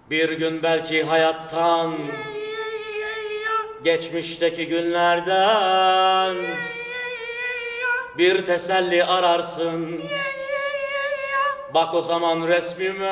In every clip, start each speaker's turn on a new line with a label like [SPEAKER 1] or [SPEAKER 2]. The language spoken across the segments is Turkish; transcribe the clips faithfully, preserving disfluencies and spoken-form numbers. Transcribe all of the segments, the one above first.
[SPEAKER 1] Bir gün belki hayattan, geçmişteki günlerden bir teselli ararsın. Bak o zaman resmime.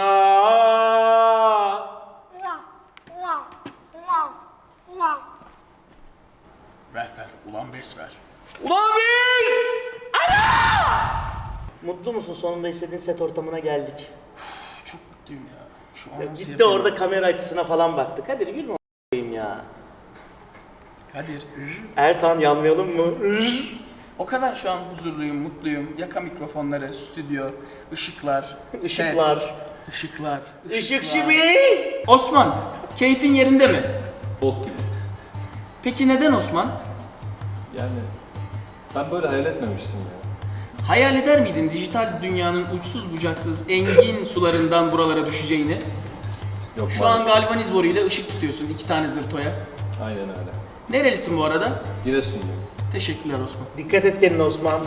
[SPEAKER 2] Ver ver, ulan bes ver.
[SPEAKER 1] Ulan biz! Ana! Mutlu musun? Sonunda istediğin set ortamına geldik.
[SPEAKER 2] Çok mutluyum ya. Şu an nasıl
[SPEAKER 1] Gitti orada kamera açısına falan baktı. Kadir gülme a**ayım ya.
[SPEAKER 2] Kadir.
[SPEAKER 1] Ertan yanmayalım mı?
[SPEAKER 2] O kadar şu an huzurluyum, mutluyum. Yaka mikrofonları, stüdyo, ışıklar,
[SPEAKER 1] Işıklar.
[SPEAKER 2] set, ışıklar,
[SPEAKER 1] Işık
[SPEAKER 2] ışıklar.
[SPEAKER 1] şimdi.
[SPEAKER 2] Osman, keyfin yerinde mi?
[SPEAKER 3] Bok gibi.
[SPEAKER 2] Peki neden Osman?
[SPEAKER 3] Yani ben böyle hayal etmemiştim ya.
[SPEAKER 2] Hayal eder miydin dijital dünyanın uçsuz bucaksız engin sularından buralara düşeceğini?
[SPEAKER 3] Yok,
[SPEAKER 2] Şu an
[SPEAKER 3] maalesef.
[SPEAKER 2] galvaniz boruyla ışık tutuyorsun iki tane zırtoya.
[SPEAKER 3] Aynen öyle.
[SPEAKER 2] Nerelisin bu arada?
[SPEAKER 3] Giresun'dayım.
[SPEAKER 2] Teşekkürler Osman.
[SPEAKER 1] Dikkat et kendine Osman.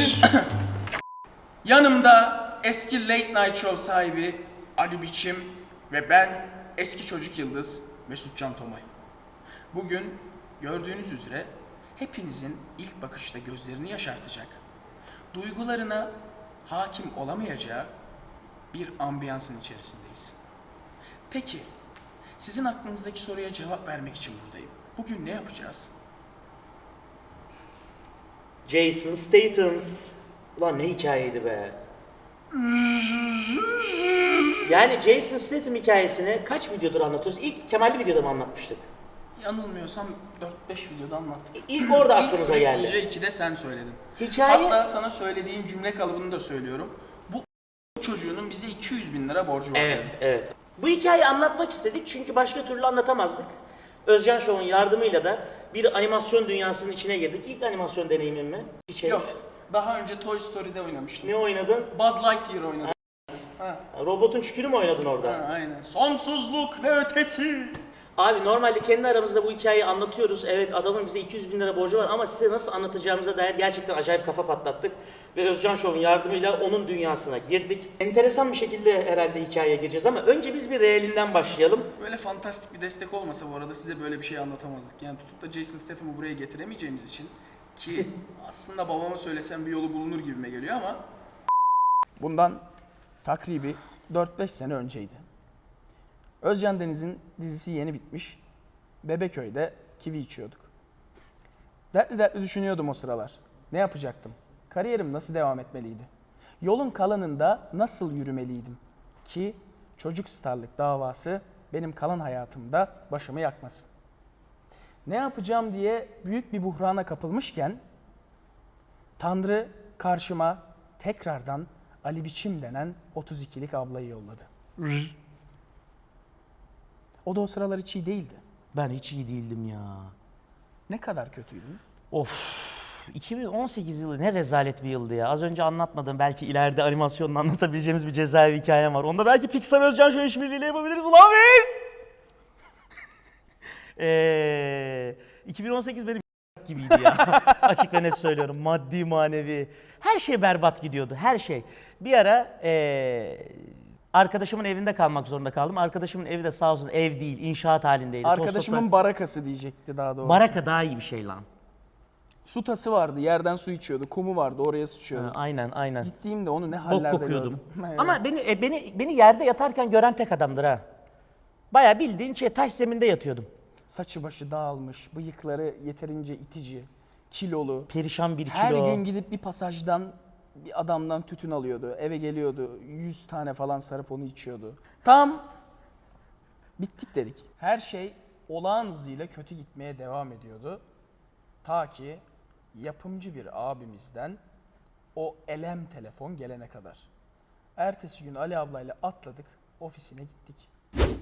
[SPEAKER 2] Yanımda eski Late Night Show sahibi Ali Biçim ve ben eski çocuk yıldız Mesut Can Tomay. Bugün gördüğünüz üzere hepinizin ilk bakışta gözlerini yaşartacak, duygularına hakim olamayacağı bir ambiyansın içerisindeyiz. Peki, sizin aklınızdaki soruya cevap vermek için buradayım. Bugün ne yapacağız?
[SPEAKER 1] Jason Statham's. Ulan ne hikayeydi be. Yani Jason Statham hikayesini kaç videodur anlatıyoruz? İlk Kemal'li videoda mı anlatmıştık?
[SPEAKER 2] Yanılmıyorsam dört beş videoda anlattık.
[SPEAKER 1] İlk orada aklımıza
[SPEAKER 2] İlk
[SPEAKER 1] geldi.
[SPEAKER 2] D J ikide sen söyledin.
[SPEAKER 1] Hikaye...
[SPEAKER 2] Hatta sana söylediğim cümle kalıbını da söylüyorum. Bu çocuğunun bize iki yüz bin lira borcu var.
[SPEAKER 1] Evet, evet. Bu hikayeyi anlatmak istedik çünkü başka türlü anlatamazdık. Özcan Show'un yardımıyla da bir animasyon dünyasının içine girdik. İlk animasyon deneyimim mi? Hiç herif.
[SPEAKER 2] Yok. Daha önce Toy Story'de oynamıştım.
[SPEAKER 1] Ne oynadın?
[SPEAKER 2] Buzz Lightyear oynadım. Ha.
[SPEAKER 1] Robotun çükünü mü oynadın orada?
[SPEAKER 2] ha, aynen. Sonsuzluk ve ötesi.
[SPEAKER 1] Abi normalde kendi aramızda bu hikayeyi anlatıyoruz. Evet adamın bize iki yüz bin lira borcu var ama size nasıl anlatacağımıza dair gerçekten acayip kafa patlattık. Ve Özcan Show'un yardımıyla onun dünyasına girdik. Enteresan bir şekilde herhalde hikayeye gireceğiz ama önce biz bir realinden başlayalım.
[SPEAKER 2] Böyle fantastik bir destek olmasa bu arada size böyle bir şey anlatamazdık. Yani tutup da Jason Statham'ı buraya getiremeyeceğimiz için ki aslında babama söylesem bir yolu bulunur gibime geliyor ama bundan takribi dört beş sene önceydi. Özcan Deniz'in dizisi yeni bitmiş. Bebeköy'de kivi içiyorduk. Dertli dertli düşünüyordum o sıralar. Ne yapacaktım? Kariyerim nasıl devam etmeliydi? Yolun kalanında nasıl yürümeliydim? Ki çocuk starlık davası benim kalan hayatımda başımı yakmasın. Ne yapacağım diye büyük bir buhrana kapılmışken Tanrı karşıma tekrardan Ali Biçim denen otuz ikilik ablayı yolladı. O da o sıralar hiç iyi değildi.
[SPEAKER 1] Ben hiç iyi değildim ya.
[SPEAKER 2] Ne kadar kötüydün?
[SPEAKER 1] Of. iki bin on sekiz yılı ne rezalet bir yıldı ya. Az önce anlatmadım. Belki ileride animasyonla anlatabileceğimiz bir cezaevi hikayem var. Onda belki Pixar Özcan Show işbirliğiyle yapabiliriz. Ulan biz! Eee... iki bin on sekiz benim gibiydi ya. Açık ve net söylüyorum. Maddi, manevi. Her şey berbat gidiyordu. Her şey. Bir ara eee... arkadaşımın evinde kalmak zorunda kaldım. Arkadaşımın evi de sağ olsun ev değil, inşaat halindeydi.
[SPEAKER 2] Arkadaşımın
[SPEAKER 1] Toz
[SPEAKER 2] barakası diyecekti daha doğrusu.
[SPEAKER 1] toprak- Baraka daha iyi bir şey lan.
[SPEAKER 2] Su tası vardı, yerden su içiyordu. Kumu vardı, oraya sıçıyordu.
[SPEAKER 1] Ha, aynen, aynen.
[SPEAKER 2] Gittiğimde onu ne
[SPEAKER 1] Bok
[SPEAKER 2] hallerde
[SPEAKER 1] kokuyordum.
[SPEAKER 2] gördüm. Evet.
[SPEAKER 1] Ama beni e, beni beni yerde yatarken gören tek adamdır ha. Bayağı bildiğin şey taş zeminde yatıyordum.
[SPEAKER 2] Saçı başı dağılmış, bıyıkları yeterince itici, kilolu.
[SPEAKER 1] Perişan bir kilo.
[SPEAKER 2] Her gün gidip bir pasajdan bir adamdan tütün alıyordu. Eve geliyordu, yüz tane falan sarıp onu içiyordu. Tam bittik dedik. Her şey olağan hızıyla kötü gitmeye devam ediyordu. Ta ki yapımcı bir abimizden o elem telefon gelene kadar. Ertesi gün Ali ablayla atladık, ofisine gittik.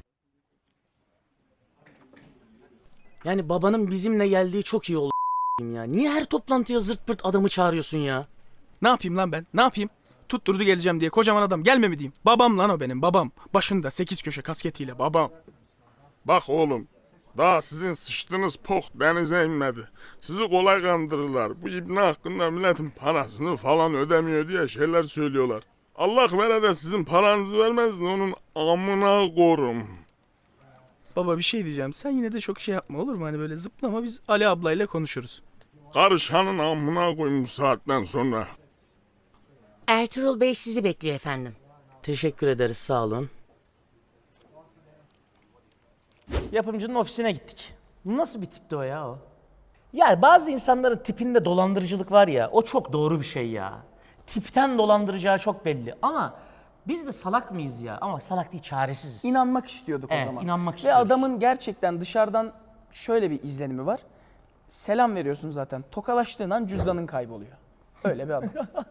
[SPEAKER 1] Yani babanın bizimle geldiği çok iyi oldu ya. Niye her toplantıya zırt pırt adamı çağırıyorsun ya?
[SPEAKER 2] Ne yapayım lan ben? Ne yapayım? Tutturdu geleceğim diye kocaman adam gelme mi diyeyim? Babam lan o benim babam. Başında sekiz köşe kasketiyle babam.
[SPEAKER 4] Bak oğlum, daha sizin sıçtığınız pok denize inmedi. Sizi kolay kandırırlar. Bu ibne hakkında milletin parasını falan ödemiyor diye şeyler söylüyorlar. Allah vere de sizin paranızı vermez de onun amına korum.
[SPEAKER 2] Baba bir şey diyeceğim. Sen yine de çok şey yapma olur mu? Hani böyle zıplama, biz Ali ablayla konuşuruz.
[SPEAKER 4] Karışanın amına koyayım bu saatten sonra.
[SPEAKER 5] Ertuğrul Bey sizi bekliyor efendim.
[SPEAKER 1] Teşekkür ederiz, sağ olun. Yapımcının ofisine gittik. Nasıl bir tipti o ya o? Ya bazı insanların tipinde dolandırıcılık var ya, o çok doğru bir şey ya. Tipten dolandıracağı çok belli ama biz de salak mıyız ya? Ama salak değil, çaresiziz.
[SPEAKER 2] İnanmak istiyorduk
[SPEAKER 1] Evet,
[SPEAKER 2] o zaman.
[SPEAKER 1] inanmak
[SPEAKER 2] Ve
[SPEAKER 1] istiyoruz.
[SPEAKER 2] adamın gerçekten dışarıdan şöyle bir izlenimi var. Selam veriyorsun zaten. Tokalaştığın an cüzdanın kayboluyor. Öyle bir adam.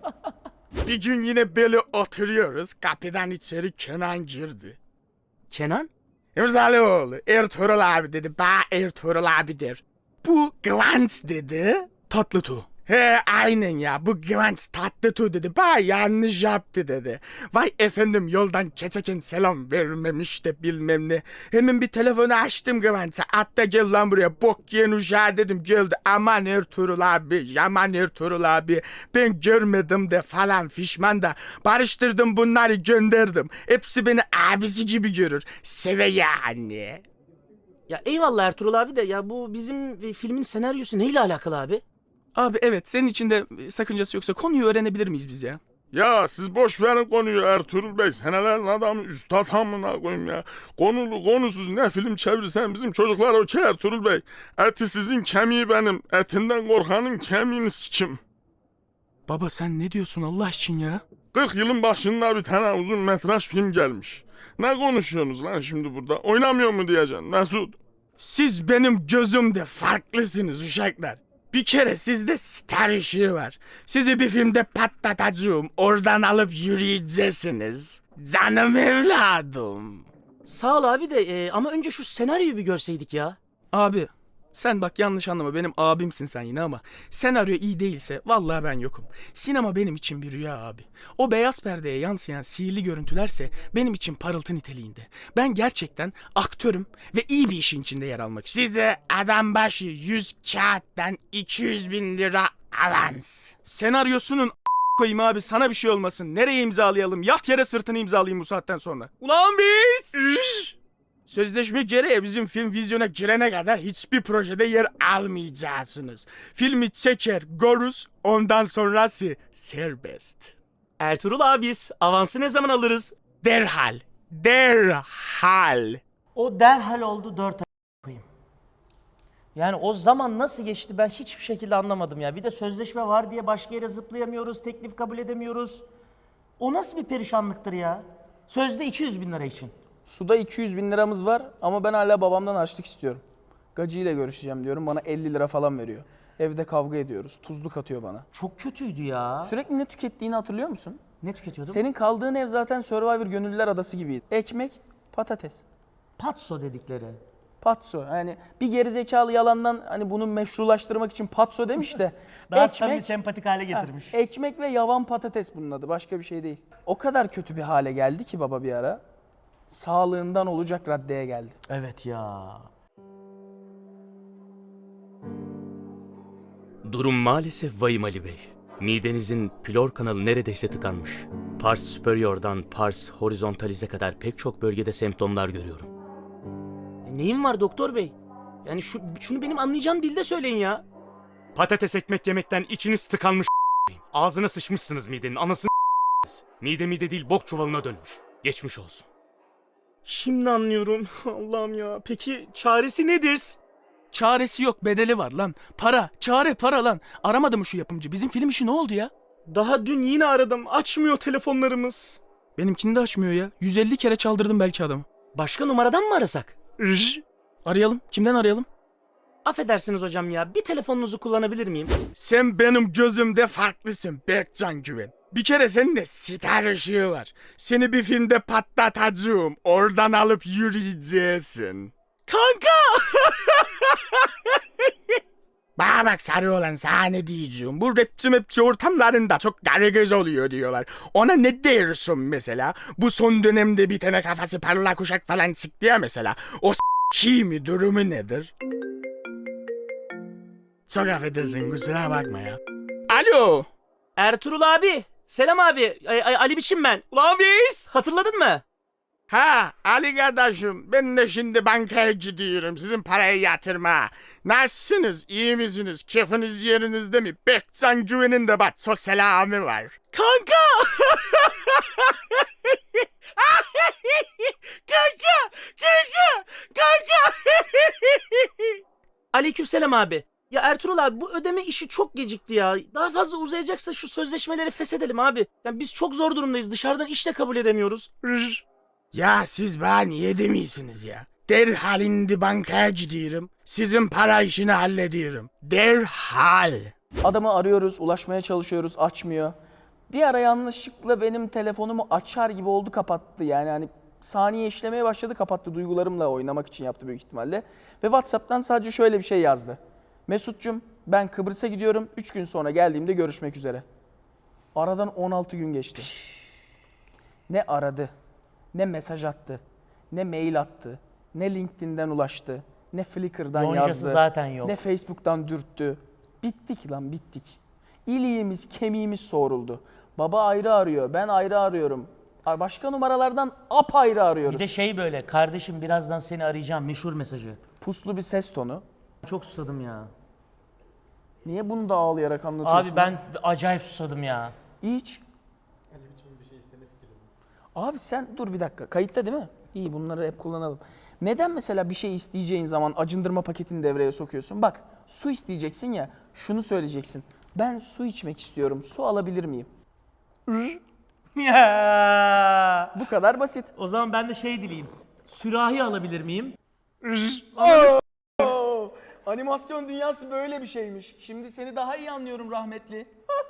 [SPEAKER 4] Bir gün yine böyle oturuyoruz. Kapıdan içeri Kenan girdi.
[SPEAKER 1] Kenan?
[SPEAKER 4] İmzalıoğlu, Ertuğrul abi dedi. Ba Ertuğrul abi der. Bu Kıvanç dedi.
[SPEAKER 2] Tatlıtuğ.
[SPEAKER 4] He aynen ya, bu Kıvanç Tatlıtuğ dedi. Ba yanlış yaptı dedi. Vay efendim, yoldan geçerken selam vermemiş de bilmem ne. Hemen bir telefonu açtım Kıvanç'a. Hatta gel lan buraya, bok yiyen uşağı dedim. Geldi, aman Ertuğrul abi, yaman Ertuğrul abi. Ben görmedim de falan fişman da. Barıştırdım bunları, gönderdim. Hepsi beni abisi gibi görür. Seve yani.
[SPEAKER 1] Ya eyvallah Ertuğrul abi de ya bu bizim e, filmin senaryosu neyle alakalı abi?
[SPEAKER 2] Abi evet, senin için de sakıncası yoksa konuyu öğrenebilir miyiz biz ya?
[SPEAKER 4] Ya siz boş verin konuyu Ertuğrul Bey. Senelerin adamı, üstad amına koyayım ya. Konulu konusuz ne film çevirsen bizim çocuklar okey Ertuğrul Bey. Eti sizin, kemiği benim. Etinden korkanın kemiğini sikim.
[SPEAKER 2] Baba sen ne diyorsun Allah için ya?
[SPEAKER 4] kırk yılın başında bir tane uzun metraj film gelmiş. Ne konuşuyorsunuz lan şimdi burada? Oynamıyor mu diyeceksin Mesut? Siz benim gözümde farklısınız uşaklar. Bir kere sizde star ışığı var. Sizi bir filmde patlatacağım. Oradan alıp yürüyeceksiniz. Canım evladım.
[SPEAKER 1] Sağ ol abi de e, ama önce şu senaryoyu bir görseydik ya.
[SPEAKER 2] Abi sen bak yanlış anlama, benim abimsin sen yine ama senaryo iyi değilse vallahi ben yokum. Sinema benim için bir rüya abi. O beyaz perdeye yansıyan sihirli görüntülerse benim için parıltı niteliğinde. Ben gerçekten aktörüm ve iyi bir işin içinde yer almak istiyorum.
[SPEAKER 4] Size adam başı yüz kağıttan iki yüz bin lira avans.
[SPEAKER 2] Senaryosunun koyayım abi, sana bir şey olmasın. Nereye imzalayalım? Yat yere sırtını imzalayayım bu saatten sonra.
[SPEAKER 4] Ulan biz! Sözleşme gereği bizim film vizyona girene kadar hiçbir projede yer almayacaksınız. Filmi çeker, görürüz, ondan sonrası serbest.
[SPEAKER 1] Ertuğrul abis, avansı ne zaman alırız?
[SPEAKER 4] Derhal, derhal.
[SPEAKER 1] O derhal oldu dört ay koyayım. Yani o zaman nasıl geçti ben hiçbir şekilde anlamadım ya. Bir de sözleşme var diye başka yere zıplayamıyoruz, teklif kabul edemiyoruz. O nasıl bir perişanlıktır ya? Sözde iki yüz bin lira için.
[SPEAKER 2] Suda iki yüz bin liramız var ama ben hala babamdan harçlık istiyorum. Gacıyla görüşeceğim diyorum, bana elli lira falan veriyor. Evde kavga ediyoruz, tuzluk atıyor bana.
[SPEAKER 1] Çok kötüydü ya.
[SPEAKER 2] Sürekli ne tükettiğini hatırlıyor musun?
[SPEAKER 1] Ne tüketiyordum?
[SPEAKER 2] Senin kaldığın ev zaten Survivor Gönüllüler Adası gibiydi. Ekmek, patates.
[SPEAKER 1] Patso dedikleri.
[SPEAKER 2] Patso. Yani bir gerizekalı yalandan hani bunu meşrulaştırmak için patso demiş de
[SPEAKER 1] Daha samimi, sempatik hale
[SPEAKER 2] Ha,
[SPEAKER 1] getirmiş.
[SPEAKER 2] ekmek ve yavan patates bunun adı. Başka bir şey değil. O kadar kötü bir hale geldi ki baba bir ara. Sağlığından olacak raddeye geldi.
[SPEAKER 1] Evet ya.
[SPEAKER 6] Durum maalesef vahim Ali Bey. Midenizin pylor kanalı neredeyse tıkanmış. Pars superior'dan pars horizontalize kadar pek çok bölgede semptomlar görüyorum.
[SPEAKER 1] E, neyim var doktor bey? Yani şu, şunu benim anlayacağım dilde söyleyin ya.
[SPEAKER 6] Patates ekmek yemekten içiniz tıkanmış. Ağzına sıçmışsınız midenin anasını. Mide mide değil bok çuvalına dönmüş. Geçmiş olsun.
[SPEAKER 1] Şimdi anlıyorum. Allah'ım ya. Peki çaresi nedir?
[SPEAKER 2] Çaresi yok, bedeli var lan. Para, çare para lan. Aramadı mı şu yapımcı? Bizim film işi ne oldu ya?
[SPEAKER 1] Daha dün yine aradım. Açmıyor telefonlarımız.
[SPEAKER 2] Benimkini de açmıyor ya. yüz elli kere çaldırdım belki adamı.
[SPEAKER 1] Başka numaradan mı arasak?
[SPEAKER 2] Arayalım. Kimden arayalım?
[SPEAKER 1] Affedersiniz hocam ya. Bir telefonunuzu kullanabilir miyim?
[SPEAKER 4] Sen benim gözümde farklısın Berkcan Güven. Bir kere senin de sitar ışığı var. Seni bir filmde patlatacağım. Oradan alıp yürüyeceksin.
[SPEAKER 1] Kanka!
[SPEAKER 4] Bana bak sarı olan, sana ne diyeceğim. Bu rapçi mapçi ortamlarında çok karagöz oluyor diyorlar. Ona ne dersin mesela? Bu son dönemde bir tane kafası parlak uşak falan çıktı ya mesela. O s**ki mi, durumu nedir? Çok affedersin, kusura bakma ya.
[SPEAKER 2] Alo.
[SPEAKER 1] Ertuğrul abi. Selam abi. Ay- Ay- Ali biçim ben. Ulan biz. Hatırladın mı?
[SPEAKER 4] Ha Ali kardeşim ben de şimdi bankaya gidiyorum sizin parayı yatırma. Nasılsınız? İyi misiniz? Keyfiniz yerinizde mi? Bekcan Güven'in de bak so selamı var. Kanka! kanka! Kanka! Kanka!
[SPEAKER 1] Aleykümselam abi. Ya Ertuğrul abi bu ödeme işi çok gecikti ya. Daha fazla uzayacaksa şu sözleşmeleri feshedelim abi. Yani biz çok zor durumdayız. Dışarıdan iş de kabul edemiyoruz.
[SPEAKER 4] Rır. Ya siz bana niye demiyorsunuz ya? Derhal indi bankaya gidiyorum. Sizin para işini hallediyorum. Derhal.
[SPEAKER 2] Adamı arıyoruz, ulaşmaya çalışıyoruz, açmıyor. Bir ara yanlışlıkla benim telefonumu açar gibi oldu, kapattı. Yani hani saniye işlemeye başladı, kapattı. Duygularımla oynamak için yaptı büyük ihtimalle. Ve WhatsApp'tan sadece şöyle bir şey yazdı. Mesut'cum ben Kıbrıs'a gidiyorum. üç gün sonra geldiğimde görüşmek üzere. Aradan on altı gün geçti. Ne aradı, ne mesaj attı, ne mail attı, ne LinkedIn'den ulaştı, ne Flickr'dan
[SPEAKER 1] Yoncası
[SPEAKER 2] yazdı,
[SPEAKER 1] zaten yok.
[SPEAKER 2] ne Facebook'tan dürttü. Bittik lan bittik. İliğimiz, kemiğimiz soğuruldu. Baba ayrı arıyor, ben ayrı arıyorum. Başka numaralardan apayrı arıyoruz.
[SPEAKER 1] Bir de şey böyle, kardeşim birazdan seni arayacağım meşhur mesajı.
[SPEAKER 2] Puslu bir ses tonu.
[SPEAKER 1] Çok susadım ya.
[SPEAKER 2] Niye bunu da ağlayarak anlatıyorsun?
[SPEAKER 1] Abi ben acayip susadım ya.
[SPEAKER 2] İç. Abi sen dur bir dakika. Kayıtta değil mi? İyi, bunları hep kullanalım. Neden mesela bir şey isteyeceğin zaman acındırma paketini devreye sokuyorsun? Bak su isteyeceksin ya, şunu söyleyeceksin. Ben su içmek istiyorum. Su alabilir miyim?
[SPEAKER 1] Ya.
[SPEAKER 2] Bu kadar basit.
[SPEAKER 1] O zaman ben de şey dileyim. Sürahi alabilir miyim?
[SPEAKER 2] Oo, animasyon dünyası böyle bir şeymiş. Şimdi seni daha iyi anlıyorum rahmetli.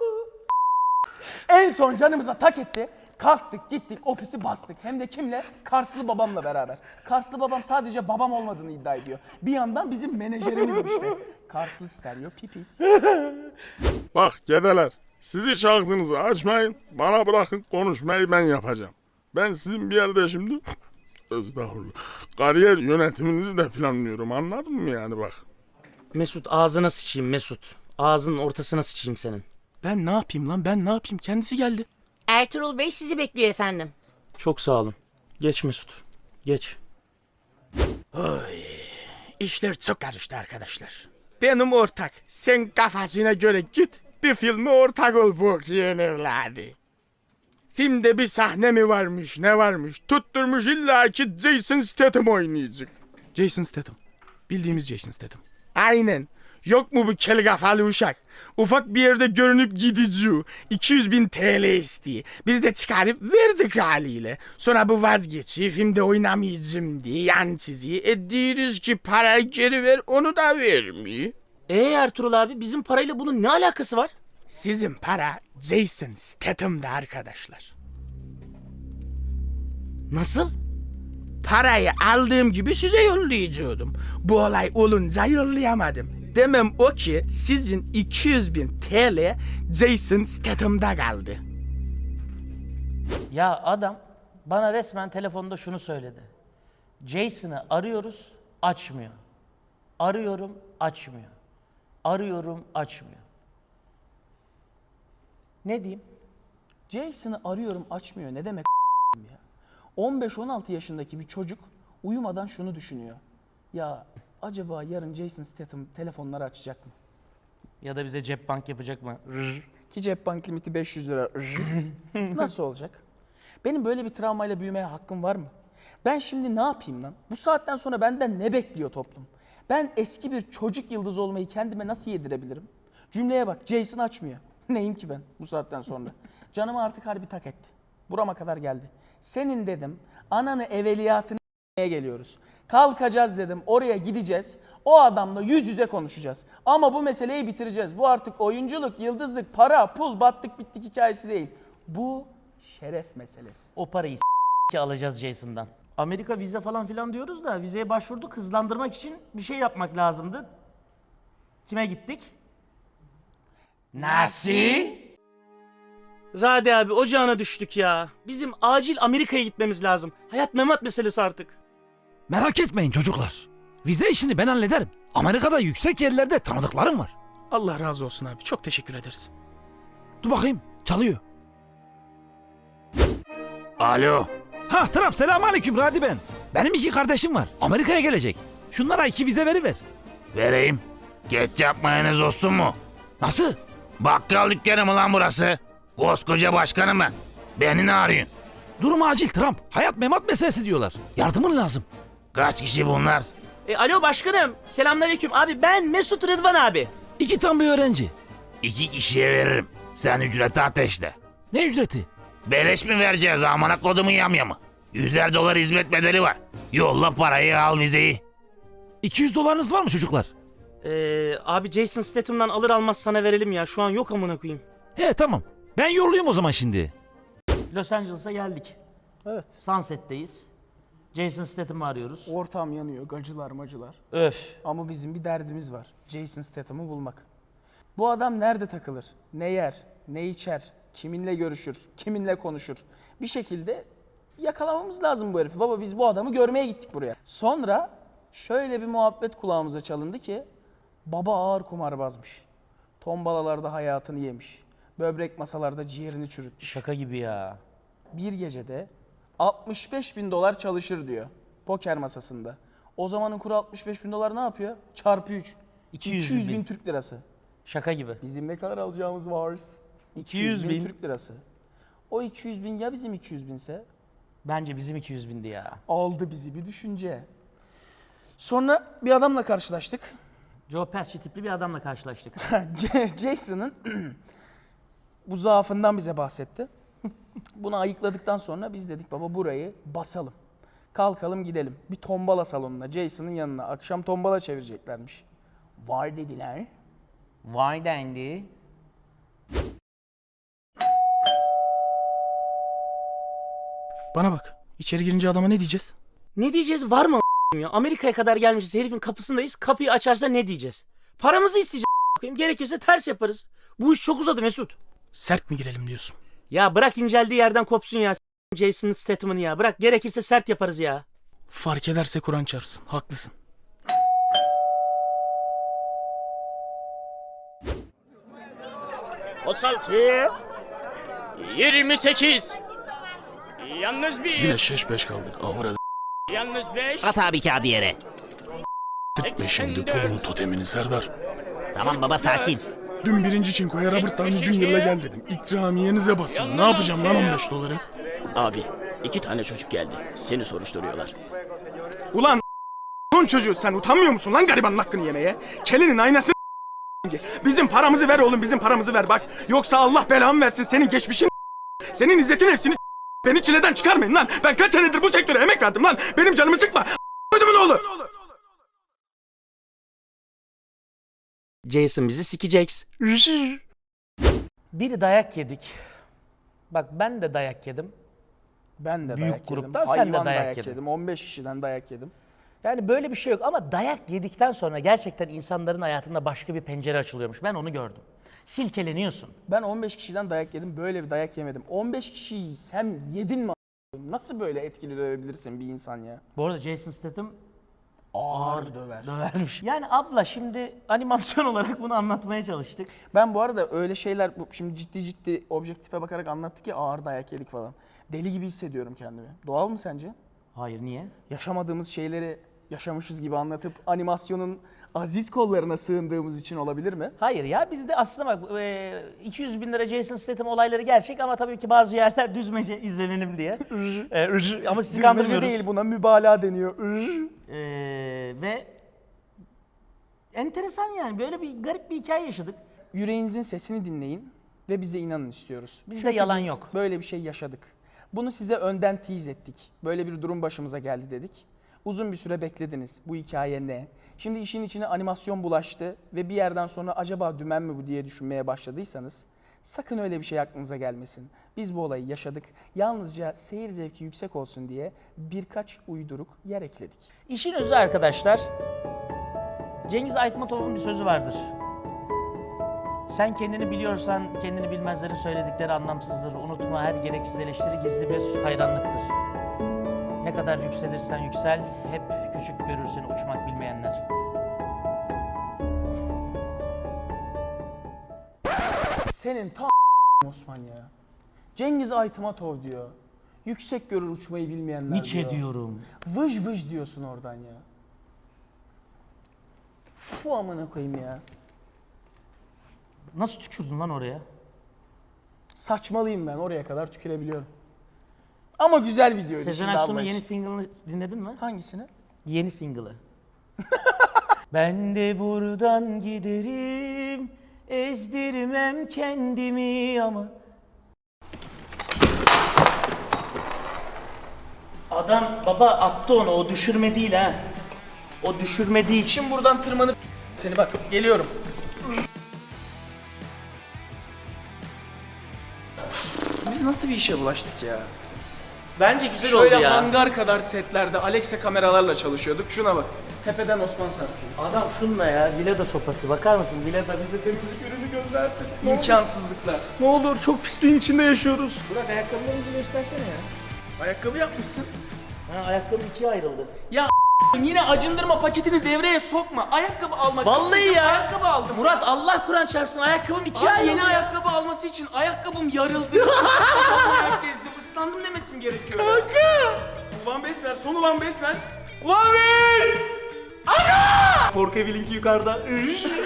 [SPEAKER 2] En son canımıza tak etti. Kalktık gittik ofisi bastık. Hem de kimle? Karslı babamla beraber. Karslı babam sadece babam olmadığını iddia ediyor. Bir yandan bizim menajerimiz işte. Karslı stereo pipis.
[SPEAKER 4] Bak gedeler, siz hiç ağzınızı açmayın, bana bırakın konuşmayı ben yapacağım. Ben sizin bir yerde şimdi, estağfurullah, kariyer yönetiminizi de planlıyorum, anladın mı yani bak.
[SPEAKER 1] Mesut ağzına sıçayım Mesut. Ağzının ortasına sıçayım senin.
[SPEAKER 4] Ben ne yapayım lan, ben ne yapayım, kendisi geldi.
[SPEAKER 5] Ertuğrul Bey sizi bekliyor efendim.
[SPEAKER 1] Çok sağ olun. Geç Mesut. Geç.
[SPEAKER 4] Oy, işler çok karıştı arkadaşlar. Benim ortak, sen kafasına göre git, bir filme ortak ol bu yeğen evladı. Filmde bir sahne mi varmış, ne varmış, tutturmuş illa ki Jason Statham oynayacak. Jason Statham, bildiğimiz Jason Statham. Aynen. Yok mu bu kel kafalı uşak? Ufak bir yerde görünüp gidici. iki yüz bin T L istiyor. Biz de çıkarıp verdik haliyle. Sonra bu vazgeçiyor. Filmde oynamayacağım diye yan çiziyor. E diyoruz ki parayı geri ver, onu da vermiyor.
[SPEAKER 1] Ee Ertuğrul abi bizim parayla bunun ne alakası var?
[SPEAKER 4] Sizin para Jason Statham'da arkadaşlar.
[SPEAKER 1] Nasıl?
[SPEAKER 4] Parayı aldığım gibi size yollayacaktım. Bu olay olunca yollayamadım. Demem o ki sizin iki yüz bin T L Jason Statham'da kaldı.
[SPEAKER 1] Ya adam bana resmen telefonda şunu söyledi. Jason'ı arıyoruz, açmıyor. Arıyorum, açmıyor. Arıyorum, açmıyor. Ne diyeyim?
[SPEAKER 2] Jason'ı arıyorum açmıyor. Ne demek ya? on beş on altı yaşındaki bir çocuk uyumadan şunu düşünüyor. Ya acaba yarın Jason Statham telefonları açacak mı?
[SPEAKER 1] Ya da bize cep bank yapacak mı?
[SPEAKER 2] Ki cep bank limiti beş yüz lira. Nasıl olacak? Benim böyle bir travmayla büyümeye hakkım var mı? Ben şimdi ne yapayım lan? Bu saatten sonra benden ne bekliyor toplum? Ben eski bir çocuk yıldızı olmayı kendime nasıl yedirebilirim? Cümleye bak, Jason açmıyor. Neyim ki ben bu saatten sonra? Canımı artık harbi tak etti. Burama kadar geldi. Senin dedim, ananı evveliyatını geliyoruz. Kalkacağız dedim, oraya gideceğiz. O adamla yüz yüze konuşacağız. Ama bu meseleyi bitireceğiz. Bu artık oyunculuk, yıldızlık, para, pul, battık bittik hikayesi değil. Bu şeref meselesi.
[SPEAKER 1] O parayı s**k alacağız Jason'dan. Amerika vize falan filan diyoruz da vizeye başvurduk. Hızlandırmak için bir şey yapmak lazımdı. Kime gittik?
[SPEAKER 4] Nasıl?
[SPEAKER 1] Rade abi ocağına düştük ya. Bizim acil Amerika'ya gitmemiz lazım. Hayat memat meselesi artık.
[SPEAKER 7] Merak etmeyin çocuklar. Vize işini ben hallederim. Amerika'da yüksek yerlerde tanıdıklarım var.
[SPEAKER 4] Allah razı olsun abi, çok teşekkür ederiz.
[SPEAKER 7] Dur bakayım, çalıyor.
[SPEAKER 4] Alo.
[SPEAKER 7] Ha Ha Trump selamünaleyküm Radi ben. Benim iki kardeşim var. Amerika'ya gelecek. Şunlara iki vize veriver.
[SPEAKER 8] Vereyim. Ketçap mayonez olsun mu?
[SPEAKER 7] Nasıl?
[SPEAKER 8] Bakkal dükkanı mı lan burası? Koskoca başkanım ben. Beni ne arıyorsun?
[SPEAKER 7] Durum acil Trump. Hayat memat meselesi diyorlar. Yardımın lazım.
[SPEAKER 8] Kaç kişi bunlar?
[SPEAKER 1] E, alo başkanım. Selamünaleyküm. Abi ben Mesut Rıdvan abi.
[SPEAKER 7] İki tam bir öğrenci.
[SPEAKER 8] İki kişiye veririm. Sen ücreti ateşle.
[SPEAKER 7] Ne ücreti?
[SPEAKER 8] Beleş mi vereceğiz amına kodumun yamyamı? Yüzer dolar hizmet bedeli var. Yolla parayı al vizeyi.
[SPEAKER 7] iki yüz dolarınız var mı çocuklar?
[SPEAKER 1] Ee, abi Jason Statham'dan alır almaz sana verelim ya. Şu an yok amına koyayım.
[SPEAKER 7] He tamam. Ben yollayayım o zaman şimdi.
[SPEAKER 1] Los Angeles'a geldik.
[SPEAKER 2] Evet.
[SPEAKER 1] Sunset'teyiz. Jason Statham'ı arıyoruz.
[SPEAKER 2] Ortam yanıyor, gacılar macılar.
[SPEAKER 1] Öf.
[SPEAKER 2] Ama bizim bir derdimiz var. Jason Statham'ı bulmak. Bu adam nerede takılır? Ne yer? Ne içer? Kiminle görüşür? Kiminle konuşur? Bir şekilde yakalamamız lazım bu herifi. Baba biz bu adamı görmeye gittik buraya. Sonra şöyle bir muhabbet kulağımıza çalındı ki baba ağır kumarbazmış. Tombalalarda hayatını yemiş. Böbrek masalarda ciğerini çürütmüş.
[SPEAKER 1] Şaka gibi ya.
[SPEAKER 2] Bir gecede altmış beş bin dolar çalışır diyor poker masasında. O zamanın kuru altmış beş bin dolar ne yapıyor? Çarpı üç.
[SPEAKER 1] iki yüz
[SPEAKER 2] iki yüz bin
[SPEAKER 1] bin.
[SPEAKER 2] Türk lirası.
[SPEAKER 1] Şaka gibi.
[SPEAKER 2] Bizim ne kadar alacağımız var?
[SPEAKER 1] iki yüz bin.
[SPEAKER 2] Türk lirası. O iki yüz bin ya bizim iki yüz binse?
[SPEAKER 1] Bence bizim iki yüz bindi ya.
[SPEAKER 2] Aldı bizi bir düşünce. Sonra bir adamla karşılaştık.
[SPEAKER 1] Joe Pesci tipli bir adamla karşılaştık.
[SPEAKER 2] J- Jason'ın bu zaafından bize bahsetti. Bunu ayıkladıktan sonra biz dedik baba burayı basalım. Kalkalım gidelim. Bir tombala salonuna, Jason'ın yanına. Akşam tombala çevireceklermiş. Var dediler.
[SPEAKER 1] Vay dendi.
[SPEAKER 4] Bana bak. İçeri girince adama ne diyeceğiz?
[SPEAKER 1] Ne diyeceğiz var mı a**ayım ya? Amerika'ya kadar gelmişiz. Herifin kapısındayız. Kapıyı açarsa ne diyeceğiz? Paramızı isteyeceğiz a**ayım. Gerekirse ters yaparız. Bu iş çok uzadı Mesut.
[SPEAKER 4] Sert mi girelim diyorsun?
[SPEAKER 1] Ya bırak inceldiği yerden kopsun ya. S- Jason Statham'ını ya. Bırak gerekirse sert yaparız ya.
[SPEAKER 4] Fark ederse Kur'an çarpsın. Haklısın.
[SPEAKER 9] otuz altı, yirmi sekiz, yalnız bir,
[SPEAKER 4] Yine şeş beş kaldık. Avra
[SPEAKER 9] yalnız beş,
[SPEAKER 5] At abi kağıdı yere.
[SPEAKER 4] d**tme şimdi pulumun totemini Serdar.
[SPEAKER 5] Tamam baba sakin.
[SPEAKER 4] Dün birinci çinkoya Robert Downey Junior'la gel dedim. İkramiyenize basın. Ne yapacağım lan on beş doları?
[SPEAKER 9] Abi iki tane çocuk geldi. Seni soruşturuyorlar.
[SPEAKER 4] Ulan son çocuğu sen utanmıyor musun lan garibanın hakkını yemeye? Kelinin aynası bizim paramızı ver oğlum bizim paramızı ver bak. Yoksa Allah belamı versin senin geçmişin senin izzetin hepsini beni çileden çıkarmayın lan. Ben kaç senedir bu sektöre emek verdim lan. Benim canımı sıkma. Ödümün oğlu.
[SPEAKER 1] Jason bizi sikeceks. Biri dayak yedik. Bak ben de dayak yedim.
[SPEAKER 2] Ben de
[SPEAKER 1] Büyük
[SPEAKER 2] dayak yedim.
[SPEAKER 1] gruptan sen de
[SPEAKER 2] Hayvan
[SPEAKER 1] dayak
[SPEAKER 2] dayak
[SPEAKER 1] yedin.
[SPEAKER 2] yedim. on beş kişiden dayak yedim.
[SPEAKER 1] Yani böyle bir şey yok ama dayak yedikten sonra gerçekten insanların hayatında başka bir pencere açılıyormuş. Ben onu gördüm. Silkeleniyorsun.
[SPEAKER 2] Ben on beş kişiden dayak yedim. Böyle bir dayak yemedim. on beş kişiyi sen yedin mi a**ayım? Nasıl böyle etkili dövebilirsin bir insan ya?
[SPEAKER 1] Bu arada Jason Statham
[SPEAKER 2] Ağır döver.
[SPEAKER 1] dövermiş. Yani abla şimdi animasyon olarak bunu anlatmaya çalıştık.
[SPEAKER 2] Ben bu arada öyle şeyler bu- şimdi ciddi ciddi objektife bakarak anlattık ya ağır dayak yedik falan. Deli gibi hissediyorum kendimi. Doğal mı sence?
[SPEAKER 1] Hayır niye?
[SPEAKER 2] Yaşamadığımız şeyleri yaşamışız gibi anlatıp animasyonun aziz kollarına sığındığımız için olabilir mi?
[SPEAKER 1] Hayır ya bizde aslında bak e, iki yüz bin lira Jason Statham olayları gerçek ama tabii ki bazı yerler düzmece izlenelim diye. E, ır- ama sizi
[SPEAKER 2] Düzmece
[SPEAKER 1] kandırmıyoruz.
[SPEAKER 2] değil buna mübalağa deniyor. Ür.
[SPEAKER 1] E, ve enteresan yani böyle bir garip bir hikaye yaşadık.
[SPEAKER 2] Yüreğinizin sesini dinleyin ve bize inanın istiyoruz.
[SPEAKER 1] Bizde
[SPEAKER 2] Çünkü
[SPEAKER 1] yalan
[SPEAKER 2] biz
[SPEAKER 1] yok.
[SPEAKER 2] Böyle bir şey yaşadık. Bunu size önden tease ettik. Böyle bir durum başımıza geldi dedik. Uzun bir süre beklediniz. Bu hikaye ne? Şimdi işin içine animasyon bulaştı ve bir yerden sonra acaba dümen mi bu diye düşünmeye başladıysanız sakın öyle bir şey aklınıza gelmesin. Biz bu olayı yaşadık. Yalnızca seyir zevki yüksek olsun diye birkaç uyduruk yer ekledik.
[SPEAKER 1] İşin özü arkadaşlar, Cengiz Aytmatov'un bir sözü vardır. Sen kendini biliyorsan kendini bilmezlerin söyledikleri anlamsızdır. Unutma her gereksiz eleştiri gizli bir hayranlıktır. Ne kadar yükselirsen yüksel, hep küçük görür seni uçmak bilmeyenler.
[SPEAKER 2] Senin ta Osman ya. Cengiz Aytmatov diyor. Yüksek görür uçmayı bilmeyenler
[SPEAKER 1] Nietzsche
[SPEAKER 2] diyor.
[SPEAKER 1] diyorum.
[SPEAKER 2] Vıj vıj diyorsun oradan ya. Bu amına koyayım ya.
[SPEAKER 1] Nasıl tükürdün lan oraya?
[SPEAKER 2] Saçmalıyım ben, oraya kadar tükürebiliyorum. Ama güzel videoydu
[SPEAKER 1] Sezen
[SPEAKER 2] şimdi
[SPEAKER 1] Aksu'nun
[SPEAKER 2] Allah
[SPEAKER 1] yeni
[SPEAKER 2] için.
[SPEAKER 1] single'ını dinledin mi?
[SPEAKER 2] Hangisini?
[SPEAKER 1] Yeni single'ı. Ben de buradan giderim, ezdirmem kendimi ama... Adam baba attı onu, o düşürme değil ha. O düşürme değil.
[SPEAKER 2] Şimdi buradan tırmanıp seni bak, geliyorum. Biz nasıl bir işe bulaştık ya?
[SPEAKER 1] Bence güzel
[SPEAKER 2] Şöyle
[SPEAKER 1] oldu ya.
[SPEAKER 2] hangar kadar setlerde Alexa kameralarla çalışıyorduk. Şuna bak. Tepeden Osman Sarkı.
[SPEAKER 1] Adam şunla ya, Vileda sopası bakar mısın? Vileda bize temizlik ürünü gönderdi.
[SPEAKER 2] İmkansızlıklar.
[SPEAKER 1] Ne olur, çok pisliğin içinde yaşıyoruz.
[SPEAKER 2] Burak ayakkabılarımızı göstersene ya. Ayakkabı yapmışsın.
[SPEAKER 1] Ha, ayakkabı ikiye ayrıldı.
[SPEAKER 2] Ya yine acındırma paketini devreye sokma. Ayakkabı almak
[SPEAKER 1] Vallahi
[SPEAKER 2] istedim,
[SPEAKER 1] ya.
[SPEAKER 2] Ayakkabı aldım.
[SPEAKER 1] Murat Allah Kur'an çarpsın, ayakkabım ikiye
[SPEAKER 2] Abi
[SPEAKER 1] ayrıldı.
[SPEAKER 2] yeni ayakkabı alması için ayakkabım yarıldı. Ayak gezdim. Islandım demesim gerekiyor. Kanka. Ulan bes ver. Son ulan bes ver. Ulan bes! Ana! Korku evi linki yukarıda.